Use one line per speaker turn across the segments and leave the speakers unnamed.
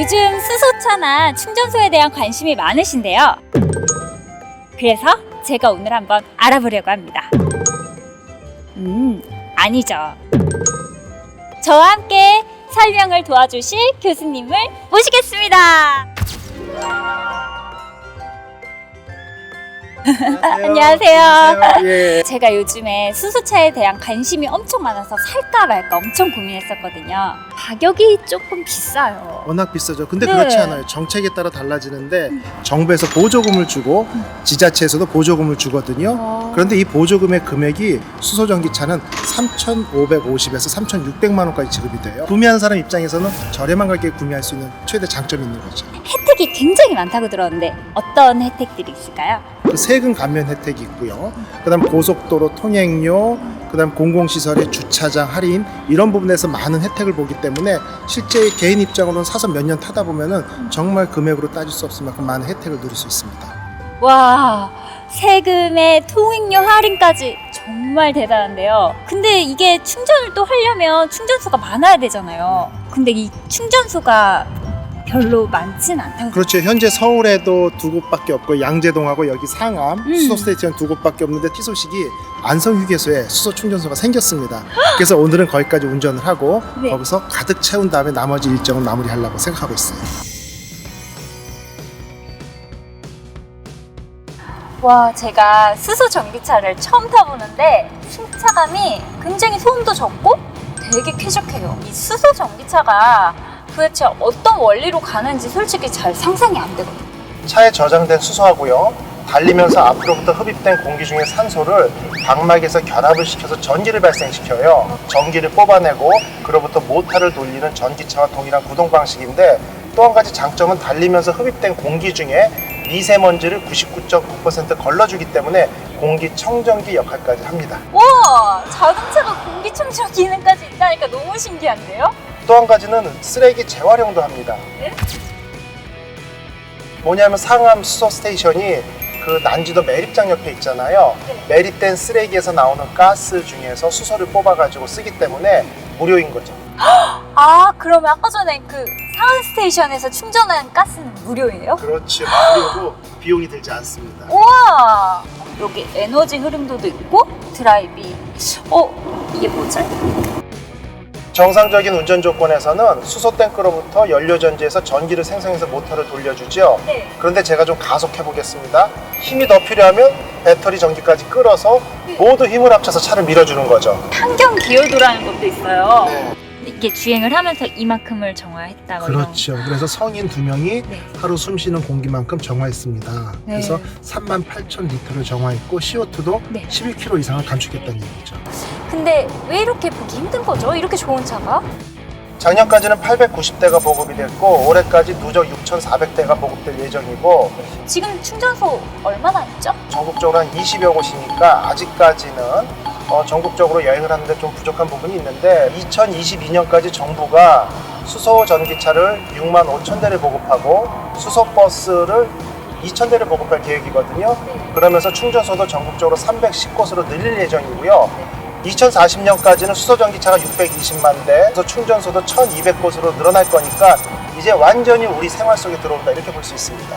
요즘 수소차나 충전소에 대한 관심이 많으신데요. 그래서 제가 오늘 한번 알아보려고 합니다. 아니죠. 저와 함께 설명을 도와주실 교수님을 모시겠습니다. 안녕하세요.
안녕하세요. 예.
제가 요즘에 수소차에 대한 관심이 엄청 많아서 살까 말까 엄청 고민했었거든요. 가격이 조금 비싸요.
워낙 비싸죠. 근데
네.
그렇지 않아요. 정책에 따라 달라지는데 정부에서 보조금을 주고 지자체에서도 보조금을 주거든요. 그런데 이 보조금의 금액이 수소전기차는 3,550에서 3,600만 원까지 지급이 돼요. 구매하는 사람 입장에서는 저렴한 가격에 구매할 수 있는 최대 장점이 있는 거죠.
혜택이 굉장히 많다고 들었는데 어떤 혜택들이 있을까요?
그 세금 감면 혜택이 있고요. 그다음 고속도로 통행료, 그다음 공공시설의 주차장 할인 이런 부분에서 많은 혜택을 보기 때문에 실제 개인 입장으로는 사서 몇 년 타다 보면은 정말 금액으로 따질 수 없을 만큼 많은 혜택을 누릴 수 있습니다.
와, 세금에 통행료 할인까지 정말 대단한데요. 근데 이게 충전을 또 하려면 충전소가 많아야 되잖아요. 근데 이 충전소가 별로 많진 않다고.
그렇죠. 현재 서울에도 두 곳밖에 없고 양재동하고 여기 상암 수소 스테이션 두 곳밖에 없는데 티소식이 안성휴게소에 수소 충전소가 생겼습니다. 그래서 오늘은 거기까지 운전을 하고
네.
거기서 가득 채운 다음에 나머지 일정을 마무리하려고 생각하고 있어요.
와, 제가 수소 전기차를 처음 타보는데 승차감이 굉장히 소음도 적고 되게 쾌적해요. 이 수소 전기차가 도대체 어떤 원리로 가는지 솔직히 잘 상상이 안 되거든요.
차에 저장된 수소하고요. 달리면서 앞으로부터 흡입된 공기 중에 산소를 방막에서 결합을 시켜서 전기를 발생시켜요. 전기를 뽑아내고 그로부터 모터를 돌리는 전기차와 동일한 구동 방식인데 또 한 가지 장점은 달리면서 흡입된 공기 중에 미세먼지를 99.9% 걸러주기 때문에 공기청정기 역할까지 합니다.
와, 자동차가 공기청정 기능까지 있다니까 너무 신기한데요?
또 한 가지는 쓰레기 재활용도 합니다.
네?
뭐냐면 상암 수소 스테이션이 그 난지도 매립장 옆에 있잖아요.
네.
매립된 쓰레기에서 나오는 가스 중에서 수소를 뽑아가지고 쓰기 때문에 무료인 거죠.
아, 그러면 아까 전에 그 상암 스테이션에서 충전한 가스는 무료예요?
그렇죠. 무료고 비용이 들지 않습니다.
우와! 여기 에너지 흐름도도 있고 드라이빙. 이게 뭐죠?
정상적인 운전 조건에서는 수소 탱크로부터 연료 전지에서 전기를 생성해서 모터를 돌려주죠.
네.
그런데 제가 좀 가속해 보겠습니다. 힘이 더 필요하면 배터리 전기까지 끌어서 모두 힘을 합쳐서 차를 밀어주는 거죠.
환경 기여도라는 것도 있어요.
네.
이렇게 주행을 하면서 이만큼을 정화했다. 뭐 이런.
그렇죠. 그래서 성인 2명이
네.
하루 숨쉬는 공기만큼 정화했습니다.
네.
그래서 38,000리터를 정화했고 CO2도
네.
11kg 이상을 감축했다는 얘기죠.
근데 왜 이렇게 보기 힘든 거죠? 이렇게 좋은 차가?
작년까지는 890대가 보급이 됐고 올해까지 누적 6,400대가 보급될 예정이고
지금 충전소 얼마나 있죠?
전국적으로 한 20여 곳이니까 아직까지는 전국적으로 여행을 하는데 좀 부족한 부분이 있는데 2022년까지 정부가 수소 전기차를 6만 5천 대를 보급하고 수소 버스를 2,000대를 보급할 계획이거든요. 그러면서 충전소도 전국적으로 310곳으로 늘릴 예정이고요. 2040년까지는 수소 전기차가 620만 대, 그래서 충전소도 1,200곳으로 늘어날 거니까 이제 완전히 우리 생활 속에 들어온다 이렇게 볼 수 있습니다.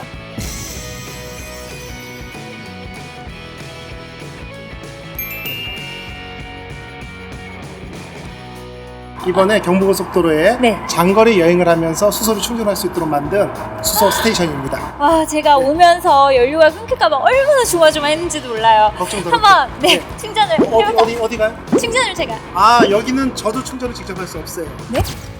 이번에 경부고속도로에
네.
장거리 여행을 하면서 수소를 충전할 수 있도록 만든 수소 스테이션입니다.
와, 제가 오면서 연료가 끊길까봐 얼마나 조마조마했는지도 몰라요.
걱정 덜
한번 충전을 해볼까?
어디 가요?
충전을 제가.
여기는 저도 충전을 직접 할 수 없어요.
네?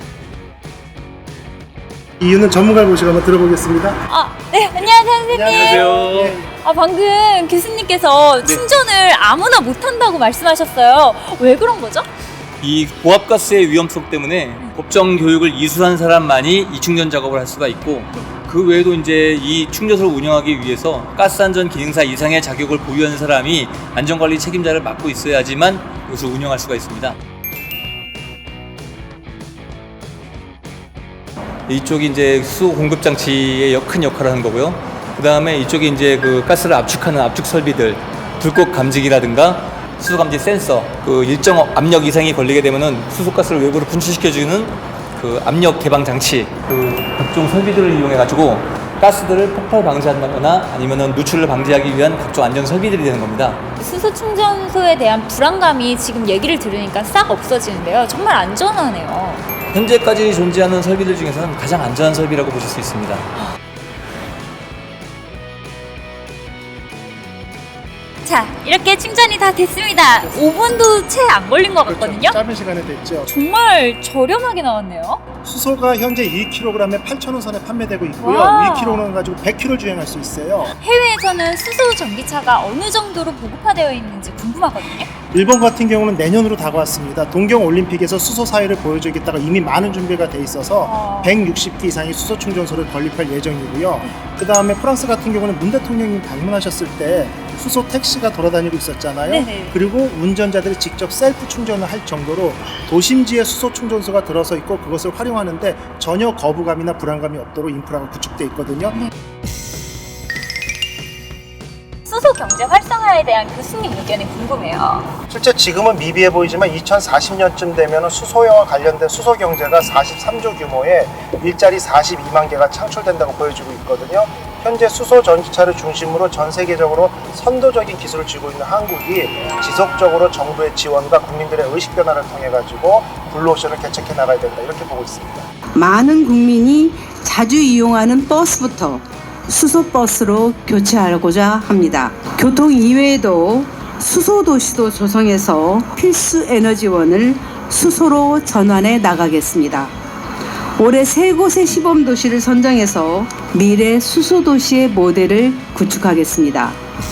이유는 전문가를 모시고 한번 들어보겠습니다.
네, 안녕하세요, 선생님.
안녕하세요.
방금 교수님께서 충전을 아무나 못한다고 말씀하셨어요. 왜 그런 거죠?
이 고압가스의 위험성 때문에 법정 교육을 이수한 사람만이 이 충전 작업을 할 수가 있고 그 외에도 이제 이 충전소를 운영하기 위해서 가스안전 기능사 이상의 자격을 보유한 사람이 안전관리 책임자를 맡고 있어야지만 이것을 운영할 수가 있습니다. 이쪽이 이제 수소 공급 장치의 큰 역할을 하는 거고요. 그 다음에 이쪽이 이제 그 가스를 압축하는 압축 설비들, 불꽃 감지기라든가 수소 감지 센서, 그 일정 압력 이상이 걸리게 되면은 수소가스를 외부로 분출시켜주는 그 압력 개방 장치, 그 각종 설비들을 이용해 가지고 가스들을 폭발 방지한다거나 아니면은 누출을 방지하기 위한 각종 안전 설비들이 되는 겁니다.
수소 충전소에 대한 불안감이 지금 얘기를 들으니까 싹 없어지는데요. 정말 안전하네요.
현재까지 존재하는 설비들 중에서는 가장 안전한 설비라고 보실 수 있습니다.
자, 이렇게 충전이 다 됐습니다. 5분도 채 안 걸린 것 같거든요.
짧은 시간에 됐죠.
정말 저렴하게 나왔네요.
수소가 현재 2kg에 8,000원 선에 판매되고 있고요.
와.
2kg는 가지고 100km 주행할 수 있어요.
해외에서는 수소 전기차가 어느 정도로 보급화되어 있는지 궁금하거든요.
일본 같은 경우는 내년으로 다가왔습니다. 동경 올림픽에서 수소 사회를 보여주겠다가 이미 많은 준비가 돼 있어서 160기 이상의 수소 충전소를 건립할 예정이고요. 그 다음에 프랑스 같은 경우는 문 대통령이 방문하셨을 때 수소 택시가 돌아다니고 있었잖아요.
네네.
그리고 운전자들이 직접 셀프 충전을 할 정도로 도심지에 수소 충전소가 들어서 있고 그것을 활용하는데 전혀 거부감이나 불안감이 없도록 인프라가 구축돼 있거든요.
수소 경제 활성화에 대한 교수님 의견이 궁금해요.
실제 지금은 미비해 보이지만 2040년쯤 되면 수소와 관련된 수소 경제가 43조 규모의 일자리 42만 개가 창출된다고 보여지고 있거든요. 현재 수소 전기차를 중심으로 전 세계적으로 선도적인 기술을 쥐고 있는 한국이 지속적으로 정부의 지원과 국민들의 의식 변화를 통해 가지고 블루오션을 개척해 나가야 된다 이렇게 보고 있습니다.
많은 국민이 자주 이용하는 버스부터 수소버스로 교체하고자 합니다. 교통 이외에도 수소도시도 조성해서 필수 에너지원을 수소로 전환해 나가겠습니다. 올해 3곳의 시범도시를 선정해서 미래 수소도시의 모델을 구축하겠습니다.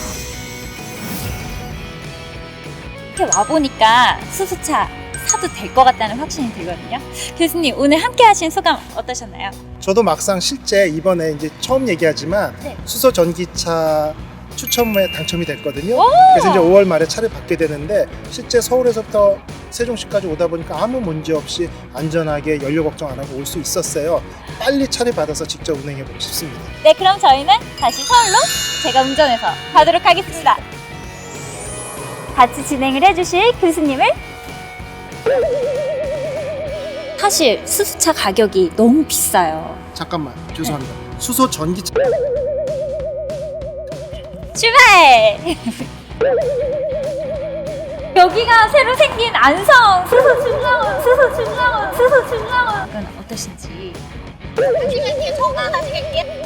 이렇게 와보니까 수소차 사도 될 것 같다는 확신이 들거든요. 교수님, 오늘 함께 하신 소감 어떠셨나요?
저도 막상 실제 이번에 이제 처음 얘기하지만
네.
수소 전기차 추첨에 당첨이 됐거든요.
오!
그래서 이제 5월 말에 차를 받게 되는데 실제 서울에서부터 세종시까지 오다 보니까 아무 문제 없이 안전하게 연료 걱정 안 하고 올 수 있었어요. 빨리 차를 받아서 직접 운행해 보고 싶습니다.
네, 그럼 저희는 다시 서울로 제가 운전해서 가도록 하겠습니다. 같이 진행을 해주실 교수님을 사실 수소차 가격이 너무 비싸요.
잠깐만 죄송합니다. 수소 전기차
출발! 여기가 새로 생긴 안성 수소 충전원 이건 어떠신지? 잠시만요, 전화하시겠게요.